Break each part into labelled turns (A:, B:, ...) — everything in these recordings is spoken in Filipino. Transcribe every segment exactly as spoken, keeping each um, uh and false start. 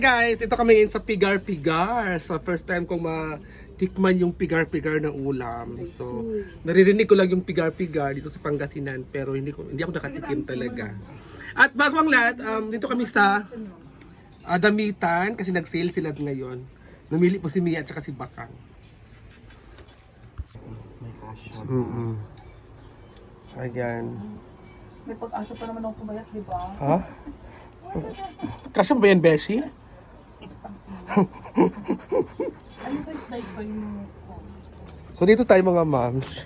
A: Guys, dito kami ngayon sa pigar-pigar. So, first time kong matikman yung pigar-pigar na ulam. So, naririnig ko lang yung pigar-pigar dito sa Pangasinan, pero hindi ko hindi ako nakatikim talaga. At bago ang lahat, um, dito kami sa uh, Damitan kasi nag-sale sila ngayon. Namili po si Mia at saka si Bakang. Mm -mm. Ayan.
B: May pag-asa pa naman ako pumayat, di ba?
A: Ha? Kasya ba yan, Beshi?
B: Ano sa slide ba yung...
A: So dito tayo mga moms.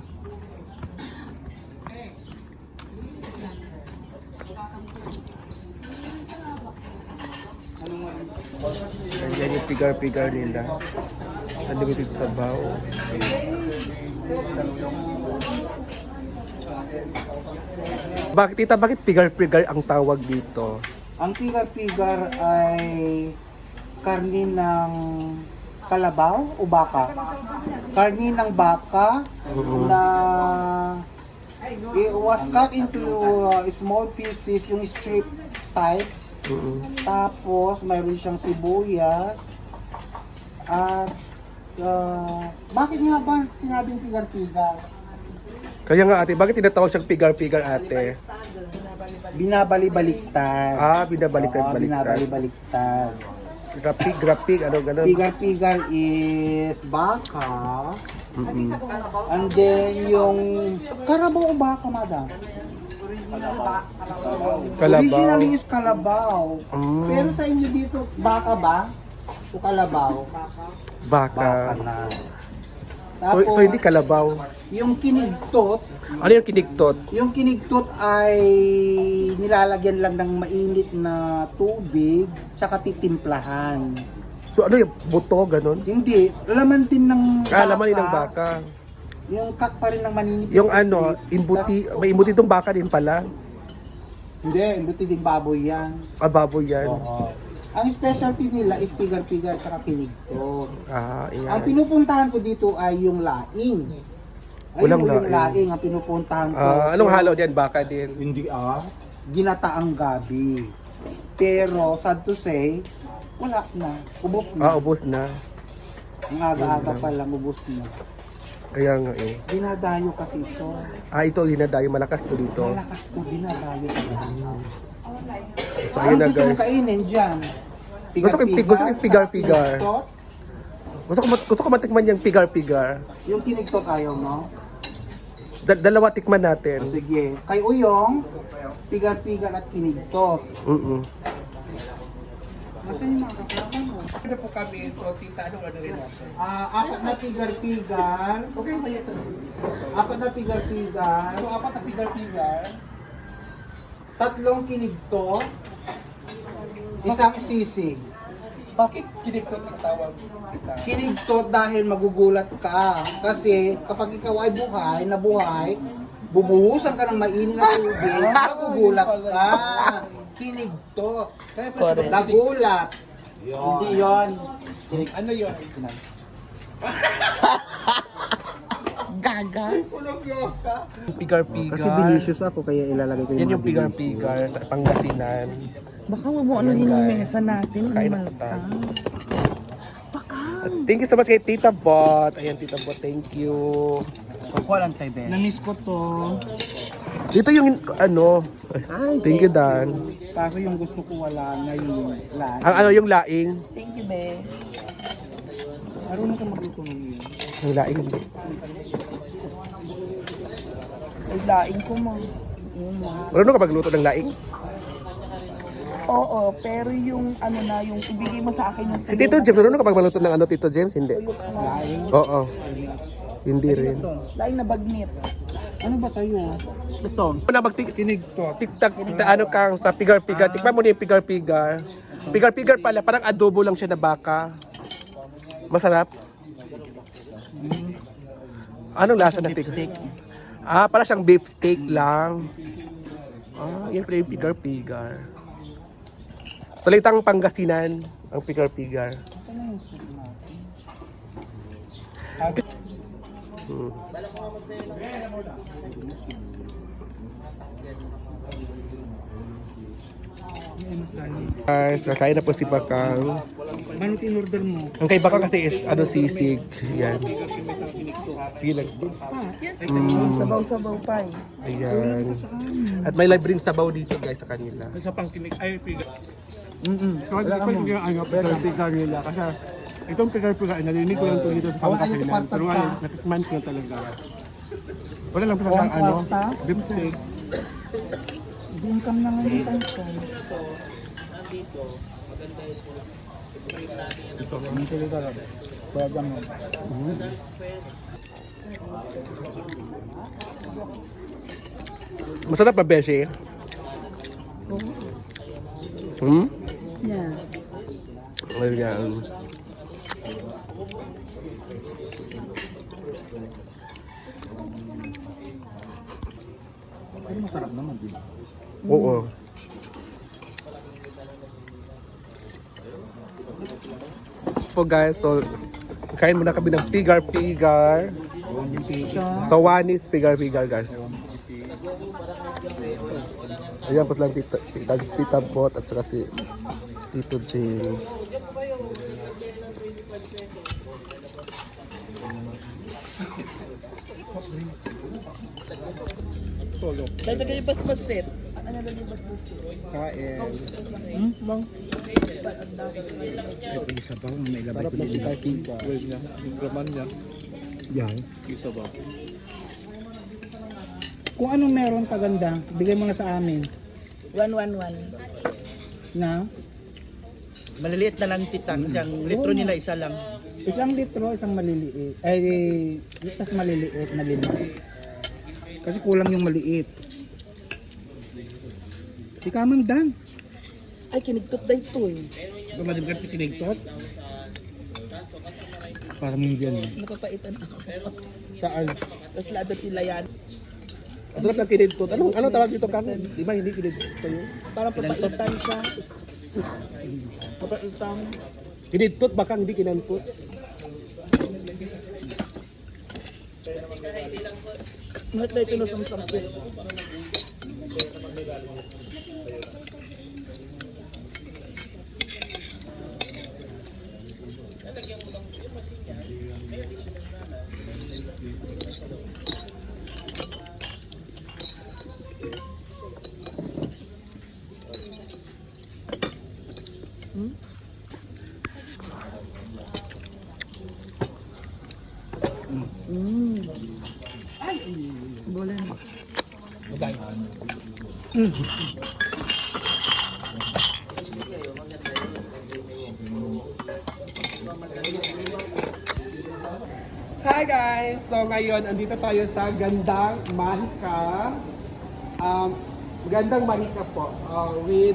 A: Ayan yung pigar-pigar nila. Unlimited sabaw. Bakit tita, bakit pigar-pigar ang tawag dito?
B: Ang pigar-pigar ay karni ng kalabaw o baka. Karni ng baka na it was cut into uh, small pieces, yung strip type.
A: Uh-uh.
B: Tapos mayroon siyang sibuyas. At uh, bakit nga ba sinabing pigar-pigar?
A: Kaya nga ate, bakit tinatawag siyang pigar-pigar ate?
B: Binabali-baliktad.
A: Ah, binabaliktad-baliktad.
B: Oo, binabali-baliktad.
A: Grapig, grapig, ano gano'n?
B: Pigar-pigar is baka.
A: Mm-hmm.
B: And then yung karabaw o baka, madam?
A: Kalabaw.
B: Originally is kalabaw.
A: Mm.
B: Pero sa inyo dito, baka ba? O kalabaw?
A: Baka.
B: Baka na.
A: So, so hindi kalabaw.
B: Yung kinigtot,
A: Ano yung kinigtot?
B: yung kinigtot ay nilalagyan lang ng mainit na tubig saka titimplahan.
A: So ano yung buto, gano'n?
B: Hindi, laman din ng baka.
A: Ah, laman din ng baka.
B: Yung cut pa rin ng maninipis.
A: Yung
B: na
A: ano,
B: strip.
A: imbuti,
B: Tas-
A: may imbuti itong baka din pala.
B: Hindi, imbuti din baboy yan.
A: Ah, baboy yan.
B: Oo. Ang specialty nila is pigar-pigar at kinigtot.
A: Ah,
B: Ang
A: yan.
B: pinupuntahan ko dito ay yung laing. Ay,
A: Walang
B: yung
A: laing.
B: laing ang pinupuntahan ko.
A: Ah, anong
B: Pero
A: halo dyan? Baka din.
B: Hindi ah. Ginataang gabi. Pero sad to say, wala na. Ubos
A: Ah,
B: na.
A: ubos na.
B: Ang aga-aga pa lang, ubos na.
A: Kaya nga eh.
B: Dinadayo kasi ito.
A: Ah, ito, hinadayo. Malakas to dito.
B: Malakas to, dinadayo talaga.
A: So, ayun
B: Ano
A: na
B: gusto mo
A: guys.
B: kainin dyan?
A: Gusto ko yung- gusto ko yung pigar-pigar.
B: Kinigtot?
A: Gusto ko, mat- gusto ko matikman yung pigar-pigar.
B: Yung kinigtot ayaw mo?
A: Da- dalawa tikman natin.
B: O, sige. Kay Uyong, pigar-pigar at kinigtot.
A: Mm-mm.
B: Nasaan yung mga kasama mo?
A: Ano po kami? So, tita, anong ano rin natin?
B: Ah, apat na pigar-pigar.
A: Okay, may isa.
B: Apat na pigar-pigar.
A: So, apat na pigar-pigar.
B: Tatlong kinigtot. Isang sisig.
A: Bakit kinigtot ang tawag kita?
B: Kinigtot dahil magugulat ka. Kasi kapag ikaw ay buhay, na buhay, bubuhusan ka ng mainit na tubig, magugulat ka. Kinigtot.
A: Correct.
B: Nagulat. Hindi yon.
A: Ano yun?
B: Gaga.
A: Pigar-pigar.
B: Kasi delicious ako kaya ilalagay ko yung
A: Yan yung
B: mga delicious.
A: pigar-pigar sa Pangasinan.
C: Baka mo ano
A: Ayun,
C: yung
A: guys.
C: mesa natin.
A: Kain na
C: Malta.
A: po tayo. At thank you so much kay Tita Bot. Ayan, Tita Bot, thank you.
B: Kukuha lang tayo, Ben. Namiss ko to.
A: Dito yung ano. Thank you, Dan.
B: Kaso yung gusto ko wala na yung lahat.
A: Ang ano yung laing?
B: Thank you, Ben. Marunong ka magluto ng yun.
A: Ang laing.
C: Ay, laing ko mo. Yun mo.
A: Marunong ka magluto ng laing?
C: Oo, pero yung ano na, yung ibigay mo sa akin yung
A: Si Tito James, marunong ka magluto ng ano, Tito James? Hindi.
B: Laing.
A: Oo. Hindi rin.
B: Ito.
C: laing na bagnit.
B: Ano ba tayo? Ito.
A: Una magtik tiktak tikta ano kang sa pigar-pigar. Tikman mo na yung pigar-pigar. Pigar-pigar pala, parang adobo lang siya na baka. Masarap. Anong lasa na pigar? Ah, para siyang beef steak lang. Ah, yan pala yung pigar-pigar. Salitang Pangasinan ang pigar-pigar. Hmm. Guys, kakain na po si Bakang.
B: Ano tin-order mo?
A: Ang kay Bakang kasi is ano sisig. Yan. Sige lang.
C: Mm. Sabaw-sabaw pa eh.
A: Ayan. At may live rin sabaw dito guys sa kanila.
D: Sa pangkinig ay piga.
B: Mm-mm.
D: So, hindi ko yung ano, pigar nila. Kasi itong pigar-pigar, narinig ko lang ito dito sa pangkasinan. Pero ngayon, natikman ko na talaga. Wala lang pa sa ano, beef steak.
C: Bingkam na nga yung tansa.
A: Masarap ba, Beshi? Hmm?
C: Yes.
A: Ayan.
B: Ay, masarap naman din.
A: Oo. So guys, so kain muna kami ng pigar-pigar. Sa Wanis, pigar-pigar guys. Ayan po lang tita, tita, tita Bot at saka si Tito Jing.
C: Dahil tagal yung basbasit. Ano ba yung basbasit?
A: Kain.
C: Hmm? Bang?
A: Sarap ng pigar-pigar.
D: Well niya, yung graman niya,
B: Yan.
D: isa ba?
B: Kung anong meron kaganda, bigay mo na sa amin.
C: One, one, one.
B: Na?
C: Maliliit na lang tita kasi ang litro nila isa lang.
B: Isang litro, isang maliliit. Ay, itas maliliit na lima. Kasi kulang yung maliit. Si Kamang
C: Ay, kinigtot na ito eh.
B: Tumalim ka tinigtot? Parang hindi yan eh.
C: Napapaitan ako.
A: Saan?
C: Tapos lado tila yan.
A: Ang sarap ng kinidtot. Ano, ano tawag dito kang? Di ba hindi kinidtot sa'yo?
C: Parang papaitan siya. Papaitan.
A: Kinidtot baka hindi kinantot.
C: Ngat na ito na samsampit. Hmm? Mm. Ay, boleh.
A: Hi guys! So ngayon, andito tayo sa Gandang Mahika. Um, Gandang Mahika po. Uh, with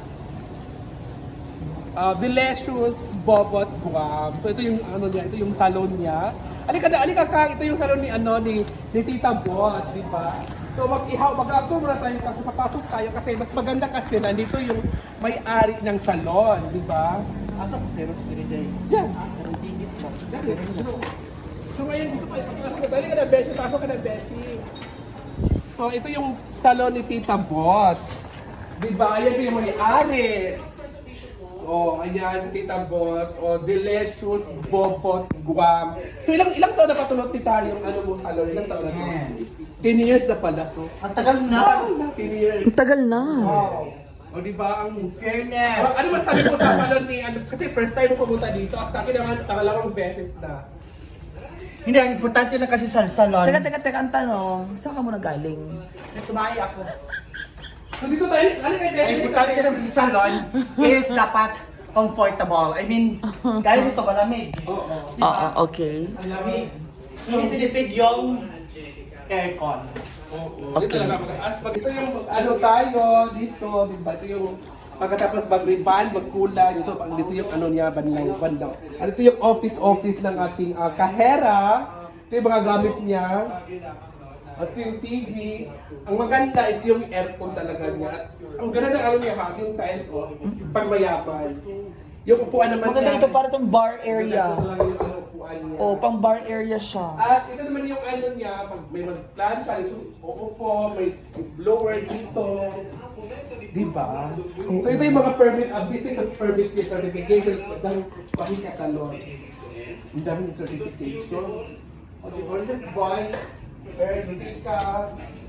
A: uh, Delicious Bobot Guam. So ito yung ano niya, ito yung salon niya. Alika na, alika ka, ito yung salon ni ano ni, ni Tita Bot, di ba? So mag-ihaw, mag-agto muna tayo kasi papasok tayo kasi mas maganda kasi nandito yung may-ari ng salon, di ba?
C: Asa po Xerox din day.
A: Yan.
C: Ang tingit mo.
A: Xerox mo. So ngayon dito pa, pasok ka, dali ka na Beshi, pasok ka na Beshi. So ito yung salon ni Tita Bot. Di ba? Yan yung may-ari. So, ayan si Tita Bot. O, Delicious Bobot Guam. So ilang ilang taon na patulog tita yung ano mo salon? Ilang taon na to? ten years na pala. So,
B: Ang tagal na!
A: ten years.
C: Ang tagal na.
B: Wow!
A: O di ba ang
B: Fairness!
A: Oh, ano masabi mo sa salon ni ano kasi first time mo pumunta dito. Sa akin naman pangalawang beses na.
B: Hindi, ang importante lang kasi sa salon.
C: Teka, teka, teka, ang tanong. Saan ka muna galing?
B: Tumahi ako.
A: So dito tayo, ano kay
B: Ang
A: Beshi?
B: importante lang sa salon is dapat comfortable. I mean, kaya nito malamig.
A: Oo.
C: Oo, okay.
B: Ang lamig. Hindi tinipid yung aircon.
A: Oo. Dito lang ako. As pag ito yung ano tayo dito, di ba? Ito yung pagkatapos mag-ribbon, magkulay, dito, pag dito yung ano niya, bandang, bandang. Ano ito yung office-office ng ating uh, kahera. Ito yung mga gamit niya. At yung T V. Ang maganda is yung aircon talaga niya. Ang ganda ng ano niya, ha, yung tiles, oh, pangmayapan. Yung upuan naman
C: Maganda
A: niya
C: ito
A: is-
C: para itong bar area.
A: Ito lang yung ano, upuan upuan niya.
C: Oh, pang bar area siya.
A: At ito naman yung ano niya, pag may mag-plancha, ito, uupo, may blower dito. Diba? So ito yung mga permit, uh, business and permit with certification, dahil pahinga sa law. Ang daming certification. O, di ba? Kasi boys, permit ka.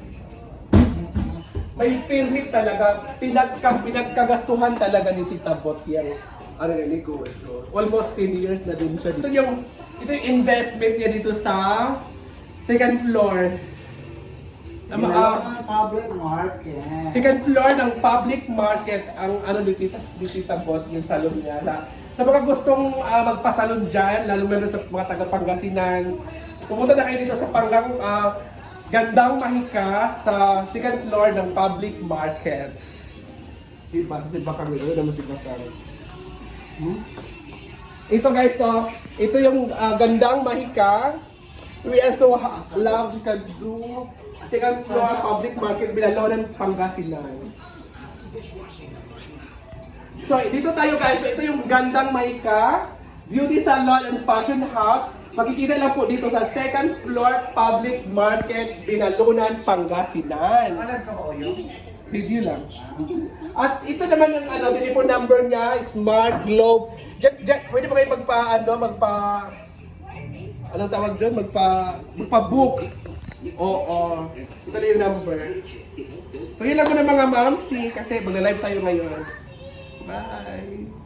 A: May permit talaga, pinagka, pinagkagastuhan talaga ni Tita Bot yan. Ano na, negosyo. Almost ten years na din siya dito. Ito yung, ito yung investment niya dito sa second floor. Ang mga,
B: Ginalaw ng public market.
A: second floor ng public market ang ano ni Tita, ni Tita Bot, yung salon niya. Sa, sa mga gustong uh, magpasalon dyan, lalo na sa mga taga-Pangasinan, pumunta na kayo dito sa Panggang uh, Gandang Mahika sa second floor ng public markets. Diba? Si Bakang ito naman si Bakang. Hmm? Ito guys, so, ito yung uh, Gandang Mahika. We are so ha- love to do second floor public market Binalonan, Pangasinan. So, dito tayo guys. So, ito yung Gandang Mahika, Beauty Salon and Fashion House. Makikita lang po dito sa second floor public market Binalonan, Pangasinan.
B: Alam ka ba yun?
A: Review lang. As ito naman ang ano, telephone number niya, Smart Globe. Diyan, diyan, pwede pa kayo magpa, ano, magpa, anong tawag dyan? Magpa, magpa-book. Oo. Ito na yung number. So yun lang po ng mga mamsi kasi magla-live tayo ngayon. Bye!